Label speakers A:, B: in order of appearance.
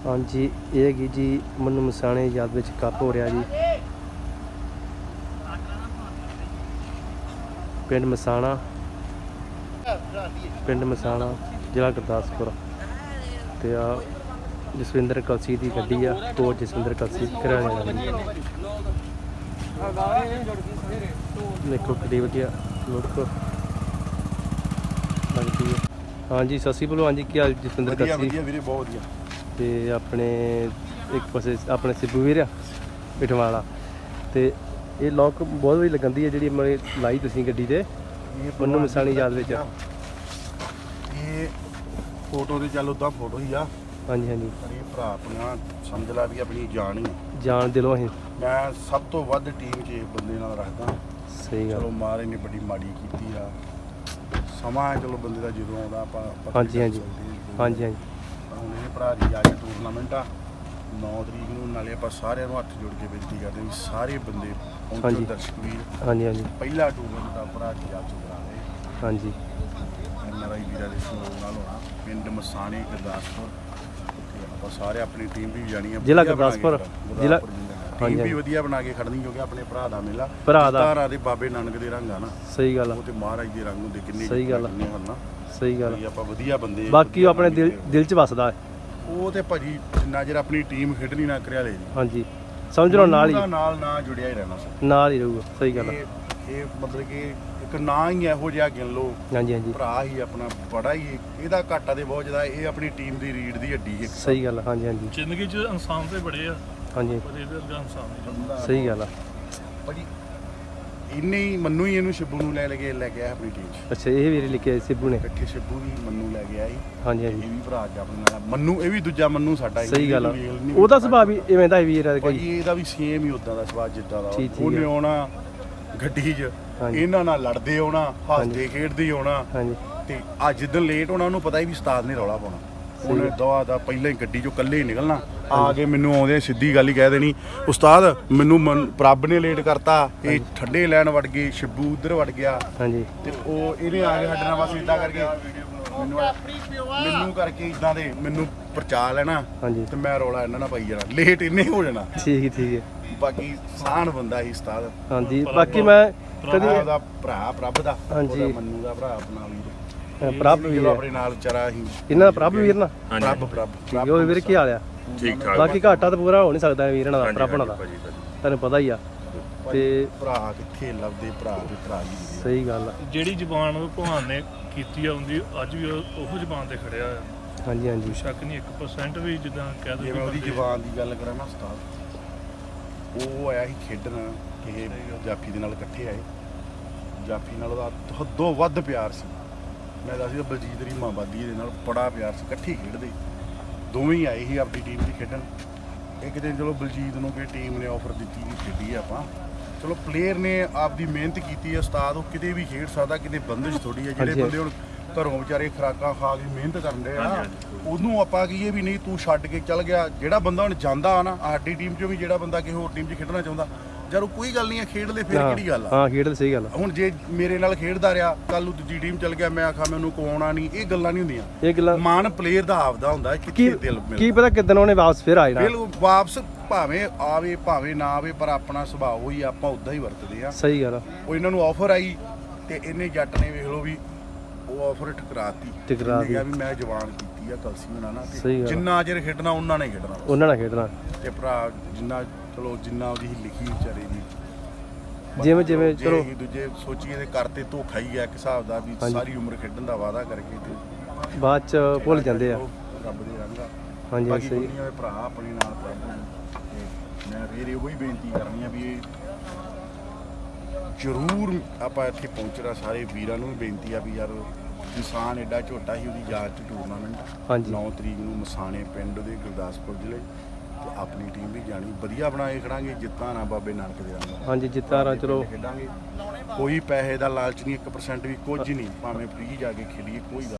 A: हाँ जी, ये हैगी जी मन्नू मसाणे याद विच कप हो रहा जी। पिंड मसाणा जिला गुरदासपुर ते आ जसविंदर कलसी की गड्डी आ। कोच जसविंदर कलसी घराने वाली देखो कितनी वधिया लुक लगती है। हाँ जी सत श्री अकाल। हाँ जी क्या हाल जसविंदर कलसी ते अपने एक पासे अपने सिब्बू वीर आ पिठवाला ते ये लॉक बहुत वधिया लगन दी है जी मैं लाई तुसीं गड्डी ते मन्नू मसाणी याद विच।
B: ये फोटो ते चल उदा फोटो ही आ।
A: हाँ जी हाँ जी
B: पर ये भरा अपना समझ ला भी अपनी जान ही
A: जान दिलों असीं
B: मैं सब तो वध टीम 'ਚ बंदे नाल रखदा।
A: सही गल।
B: चलो महाराज ने बड़ी माड़ी कीती आ समा है चलो बंदे दा जदों आउंदा आपां
A: हाँ जी हाँ जी हाँ जी हाँ जी
B: ਹੁਣ ਇਹ ਭਰਾ ਦੀ ਅੱਜ ਟੂਰਨਾਮੈਂਟ ਆ 9 ਤਰੀਕ ਨੂੰ। ਨਾਲੇ ਆਪਾਂ ਸਾਰਿਆਂ ਨੂੰ ਹੱਥ ਜੋੜ ਕੇ ਬੇਨਤੀ ਕਰਦੇ ਵੀ ਸਾਰੇ ਬੰਦੇ ਪਹੁੰਚੋ ਦਰਸ਼ਕ ਵੀਰ।
A: हाँ जी हाँ जी
B: ਪਹਿਲਾ ਟੂਰਨਾਮੈਂਟ ਆ ਭਰਾ ਦੀ ਅੱਜ ਕਰਾ ਰਹੇ
A: हाँ जी
B: NRI ਵੀਰਾਂ ਦੇ ਸਹਿਯੋਗ ਨਾਲ ਹੋਣਾ ਪਿੰਡ ਮਸਾਣੇ ਗੁਰਦਾਸਪੁਰ ਤੇ ਆਪਾਂ ਸਾਰੇ ਆਪਣੀ ਟੀਮ ਵੀ ਜਾਣੀ ਆ
A: ਜ਼ਿਲ੍ਹਾ ਗੁਰਦਾਸਪੁਰ ਜ਼ਿਲ੍ਹਾ
B: ਟੀਮ ਵੀ ਵਧੀਆ ਬਣਾ ਕੇ ਖੜਨੀ ਕਿਉਂਕਿ ਆਪਣੇ ਭਰਾ ਦਾ ਮੇਲਾ
A: ਭਰਾ ਦਾ
B: ਤਾਰਾ ਦੇ ਬਾਬੇ ਨਾਨਕ ਦੇ ਰੰਗ ਆ ਨਾ।
A: सही गल
B: ਉਹ ਤੇ ਮਹਾਰਾਜ ਦੇ ਰੰਗ ਹੁੰਦੇ ਕਿੰਨੇ
A: ਸਹੀ ਗੱਲ ਆ।
B: ਕਿੰਨੇ ਹਨ ਨਾ।
A: सही गल।
B: ਵੀ ਆਪਾਂ ਵਧੀਆ ਬੰਦੇ
A: बाकी वो अपने दिल च वसदा है।
B: ਉਹ ਤੇ ਭਾਜੀ ਜਿੰਨਾ ਚਿਰ ਆਪਣੀ ਟੀਮ ਖੇਡਣੀ ਨਾ ਕਰਿਆ ਲੈ ਜੀ
A: हाँ जी समझ लो नाल ही
B: ਨਾਲ ਨਾ ਜੁੜਿਆ ਹੀ ਰਹਿਣਾ ਸਰ।
A: नाल ही रहूगा। सही गल।
B: ਇਹ ਮਤਲਬ ਕਿ ਇੱਕ ਨਾਂ ਹੀ ਇਹੋ ਜਿਹਾ ਗਿਣ ਲਓ
A: हाँ जी हाँ जी
B: ਭਰਾ ਹੀ ਆਪਣਾ ਬੜਾ ਹੀ ਇਹਦਾ ਘਾਟਾ ਤੇ ਬਹੁਤ ਜ਼ਿਆਦਾ। ਇਹ ਆਪਣੀ ਟੀਮ ਦੀ ਰੀੜ ਦੀ ਹੱਡੀ ਇੱਕ
A: सही गल। हाँ जी हाँ जी
C: ਜ਼ਿੰਦਗੀ 'ਚ ਇਨਸਾਨ ਤੇ ਬੜੇ ਆ
A: हाँ जी
C: ਪਰ ਇਹਦੇ ਵਰਗਾ ਇਨਸਾਨ ਨਹੀਂ।
A: सही गल।
B: ਭਾਜੀ ਇੰਨੇ ਹੀ ਮੰਨੂ ਹੀ ਇਹਨੂੰ ਸ਼ਿਬੂ ਨੂੰ ਲੈ ਕੇ ਆਇਆ ਆਪਣੀ ਟੀਮ 'ਚ।
A: अच्छा ये भी लिखे सिब्बू ने।
B: ਇਕੱਠੇ ਸ਼ਿਬੂ ਵੀ ਮੰਨੂ ਲੈ ਕੇ ਆਈ।
A: हाँ जी हाँ
B: ਇਹ
A: जी
B: ਵੀ ਭਰਾ ਜਾ ਆਪਣੇ ਨਾਲ ਮੰਨੂ ਇਹ ਵੀ ਦੂਜਾ ਮੰਨੂ ਸਾਡਾ ਹੀ।
A: सही गल। ਉਹਦਾ ਸੁਭਾਅ ਵੀ ਇਵੇਂ ਦਾ ਹੀ ਵੀਰ ਹੈ ਕੋਈ।
B: ਭਾਜੀ ਇਹਦਾ ਵੀ ਸੇਮ ਹੀ ਉਦਾਂ ਦਾ ਸੁਭਾਅ ਜਿੱਦਾਂ ਦਾ
A: ਠੀਕ
B: ਉਹਨੇ
A: ਹੈ।
B: ਆਉਣਾ ਗੱਡੀ 'ਚ
A: ਹਾਂਜੀ।
B: ਇਹਨਾਂ ਨਾਲ ਲੜਦੇ ਆਉਣਾ ਹੱਸਦੇ ਖੇਡਦੇ ਆਉਣਾ
A: हाँ जी
B: ਤੇ ਅੱਜ ਜਿੱਦਣ ਲੇਟ ਹੋਣਾ ਉਹਨੂੰ ਪਤਾ ਹੀ ਵੀ ਉਸਤਾਦ ਨੇ ਰੌਲਾ ਪਾਉਣਾ। ਉਹਨੇ ਦਵਾ ਦਾ ਪਹਿਲਾਂ ਹੀ ਗੱਡੀ 'ਚੋਂ ਇਕੱਲੇ ਹੀ ਨਿਕਲਣਾ ਆ ਕੇ ਮੈਨੂੰ ਆਉਂਦੇ ਸਿੱਧੀ ਗੱਲ ਹੀ ਕਹਿ ਦੇਣੀ ਉਸਤਾਦ ਮੈਨੂੰ ਪ੍ਰਭ ਨੇ ਲੇਟ ਕਰਤਾ ਇਹ ਠੰਡੇ ਲੈਣ ਵੜ ਗਏ ਸ਼ਿਬੂ ਉਧਰ ਵੜ ਗਿਆ
A: हाँ जी
B: ਤੇ ਉਹ ਇਹਨੇ ਆ ਕੇ ਸਾਡੇ ਨਾਲ ਬਸ ਇਦਾਂ ਕਰਕੇ ਮੈਨੂੰ ਕਰਕੇ ਇਦਾਂ ਦੇ ਮੈਨੂੰ ਪਰਚਾ ਲੈਣਾ
A: हाँ जी
B: ਤੇ ਮੈਂ ਰੌਲਾ ਇਹਨਾਂ ਨਾਲ ਪਾਈ ਜਾਣਾ ਲੇਟ ਇਹਨੇ ਹੋ ਜਾਣਾ।
A: ठीक है।
B: ਬਾਕੀ ਸਾਨ ਬੰਦਾ ਹੀ ਉਸਤਾਦ
A: हाँ जी बाकी मैं कभी
B: ਉਹਦਾ ਭਰਾ ਪ੍ਰਭ ਦਾ
A: ਹਾਂਜੀ।
B: ਉਹਦਾ ਮੰਨੂ ਦਾ ਭਰਾ ਆਪਣਾ ਵੀਰ
A: प्रभ
B: ਵੀ
A: वीर
B: ਆਪਣੇ ਨਾਲ ਵਿਚਾਰਾ ਹੀ
A: इन्हां प्रभ वीर ना
B: ਪ੍ਰਭ
A: ठीक है। वो वीर की हाल है?
D: ठीक ठाक
A: बाकी घाटा तो पूरा हो नहीं सकता वीर ना प्रभ ना दा तैनूं पता ही आ ते
B: ਭਰਾ ਕਿੱਥੇ ਲੱਭਦੇ ਭਰਾ ਦੇ ਭਰਾ ਹੀ ਹੁੰਦੇ
A: सही गल।
C: ਜਿਹੜੀ ਜ਼ਬਾਨ ਭਗਵਾਨ ਨੇ ਕੀਤੀ ਆ ਉਹਦੀ ਅੱਜ ਵੀ ਉਹ ਜ਼ਬਾਨ ਤੇ ਖੜਿਆ ਆ।
A: हाँ जी हाँ जी
C: ਸ਼ੱਕ ਨਹੀਂ 1% ਵੀ ਜਿੱਦਾਂ ਕਹਿ
B: ਜੇ ਮੈਂ ਉਹਦੀ ਜ਼ਬਾਨ ਦੀ ਗੱਲ ਕਰਾਂ ਨਾ ਉਸਤਾਦ ਉਹ ਆਇਆ ਸੀ ਖੇਡਣ ਇਹ ਜਾਫੀ ਦੇ ਨਾਲ ਇਕੱਠੇ ਆਏ। ਜਾਫੀ ਨਾਲ ਉਹਦਾ ਹੱਦੋਂ ਵੱਧ ਪਿਆਰ ਸੀ। ਮੈਂ ਦੱਸਦਾ ਬਲਜੀਤ ਦੀ ਮਾਂਬਾਦੀ ਦੇ ਨਾਲ ਬੜਾ ਪਿਆਰ ਸੀ ਇਕੱਠੇ ਖੇਡਦੇ ਦੋਵੇਂ ਹੀ ਆਏ ਸੀ ਆਪਣੀ ਟੀਮ ਦੀ ਖੇਡਣ। ਇੱਕ ਦਿਨ ਚਲੋ ਬਲਜੀਤ ਨੂੰ ਕਿ ਟੀਮ ਨੇ ਆਫਰ ਦਿੱਤੀ ਵੀ ਖੇਡੀ ਆਪਾਂ ਚਲੋ ਪਲੇਅਰ ਨੇ ਆਪਦੀ ਮਿਹਨਤ ਕੀਤੀ ਹੈ ਉਸਤਾਦ ਉਹ ਕਿਤੇ ਵੀ ਖੇਡ ਸਕਦਾ ਕਿਤੇ ਬੰਦਿਸ਼ ਥੋੜੀ ਹੈ। ਜਿਹੜੇ ਬੰਦੇ ਹੁਣ ਘਰੋਂ ਵਿਚਾਰੇ ਖੁਰਾਕਾਂ ਖਾ ਕੇ ਮਿਹਨਤ ਕਰਦੇ ਆ ਉਹਨੂੰ ਆਪਾਂ ਕਹੀਏ ਵੀ ਨਹੀਂ ਤੂੰ ਛੱਡ ਕੇ ਚੱਲ ਗਿਆ। ਜਿਹੜਾ ਬੰਦਾ ਹੁਣ ਜਾਂਦਾ ਆ ਨਾ ਸਾਡੀ ਟੀਮ 'ਚੋਂ ਵੀ ਜਿਹੜਾ ਬੰਦਾ ਕਿਸੇ ਹੋਰ ਟੀਮ 'ਚ ਖੇਡਣਾ ਚਾਹੁੰਦਾ ਯਾਰ ਉਹ ਕੋਈ ਗੱਲ ਨਹੀਂ ਹੈ ਖੇਡ ਲੈ ਫਿਰ ਕਿਹੜੀ ਗੱਲ ਆ।
A: हाँ खेड सही गल।
B: ਹੁਣ ਜੇ ਮੇਰੇ ਨਾਲ ਖੇਡਦਾ ਰਿਹਾ ਕੱਲ ਨੂੰ ਦੂਜੀ ਟੀਮ ਚੱਲ ਗਿਆ ਮੈਂ ਆਖਾਂ ਮੈਨੂੰ ਕੋਆਉਣਾ ਨਹੀਂ ਇਹ ਗੱਲਾਂ ਨਹੀਂ ਹੁੰਦੀਆਂ।
A: ये गल्लां
B: ਮਾਨ ਪਲੇਅਰ ਦਾ ਆਪਦਾ ਹੁੰਦਾ
A: की
B: ਕਿੱਥੇ ਦਿਲ
A: की
B: ਮਿਲਦਾ
A: पता किदन उन्हें वापस फिर आ जाना।
B: ਦਿਲ ਵਾਪਸ ਭਾਵੇਂ ਆਵੇ ਭਾਵੇਂ ਨਾ ਆਵੇ ਪਰ ਆਪਣਾ ਸੁਭਾਅ ਹੀ ਆਪਾਂ ਉਦਾਂ ਹੀ ਵਰਤਦੇ ਆ।
A: सही गल।
B: ਉਹ ਇਹਨਾਂ ਨੂੰ ਆਫਰ ਆਈ ਤੇ ਇਹਨੇ ਜੱਟ ਨੇ ਵੇਖ ਲਓ ਵੀ ਉਹ ਆਫਰ ਠੁਕਰਾਤੀ
A: ਠੁਕਰਾ
B: ਇਹਨੇ ਕਿਹਾ ਵੀ ਮੈਂ ਜਵਾਨ ਕੀਤੀ ਆ ਕਲਸੀ ਹੋਣਾ ਨਾ ਤੇ
A: ਸਹੀ ਗੱਲ ਆ।
B: ਜਿੰਨਾ ਚਿਰ ਖੇਡਣਾ ਉਹਨਾਂ ਨੇ ਖੇਡਣਾ
A: उन्होंने ना खेडना
B: ਤੇ ਭਰਾ ਜਿੰਨਾ ਚਲੋ ਜਿੰਨਾ ਉਹਦੀ ਲਿਖੀ ਵਿਚਾਰੇ ਦੀ
A: ਜਿਵੇਂ
B: ਜੇ
A: ਚਲੋ
B: ਅਸੀਂ ਦੂਜੇ ਸੋਚੀਏ ਤੇ ਕਰਤੇ ਧੋਖਾ ਹੀ ਆ ਇੱਕ ਹਿਸਾਬ ਦਾ ਵੀ
A: ਹਾਂਜੀ।
B: ਸਾਰੀ ਉਮਰ ਖੇਡਣ ਦਾ ਵਾਅਦਾ ਕਰਕੇ ਤੇ
A: बाद च भुल जाते हैं।
B: ਰੱਬ ਦੇ ਰੰਗ ਆ।
A: हाँ जी
B: ਬਾਕੀ
A: सही
B: ਦੁਨੀਆ ਦੇ ਭਰਾ ਆਪਣੇ ਨਾਲ ਪ੍ਰਭੂ ਤੇ ਮੈਂ ਫੇਰ ਇਹੋ ਹੀ ਬੇਨਤੀ ਕਰਨੀ ਆ ਵੀ ਇਹ ਜ਼ਰੂਰ ਆਪਾਂ ਇੱਥੇ ਪਹੁੰਚਣਾ ਸਾਰੇ ਵੀਰਾਂ ਨੂੰ ਵੀ ਬੇਨਤੀ ਆ ਵੀ ਯਾਰ ਇਨਸਾਨ ਐਡਾ ਝੋਟਾ ਸੀ ਉਹਦੀ ਯਾਦ 'ਚ ਟੂਰਨਾਮੈਂਟ
A: ਹਾਂਜੀ।
B: 9 ਤਰੀਕ ਨੂੰ ਮਸਾਣੇ ਪਿੰਡ ਦੇ ਗੁਰਦਾਸਪੁਰ ਜ਼ਿਲ੍ਹੇ ਤੇ ਆਪਣੀ ਟੀਮ ਵੀ ਜਾਣੀ ਵਧੀਆ ਬਣਾ ਕੇ ਖੜਾਂਗੇ ਜਿੱਤਾਂ ਨਾ ਬਾਬੇ ਨਾਨਕ ਦੇ ਰੰਗ
A: हाँ जी जिता रहा चलो
B: ਖੇਡਾਂਗੇ ਕੋਈ ਪੈਸੇ ਦਾ ਲਾਲਚ ਨਹੀਂ 1% ਵੀ ਕੁਝ ਨਹੀਂ ਭਾਵੇਂ ਫ੍ਰੀ ਜਾ ਕੇ ਖੇਡੀਏ ਕੋਈ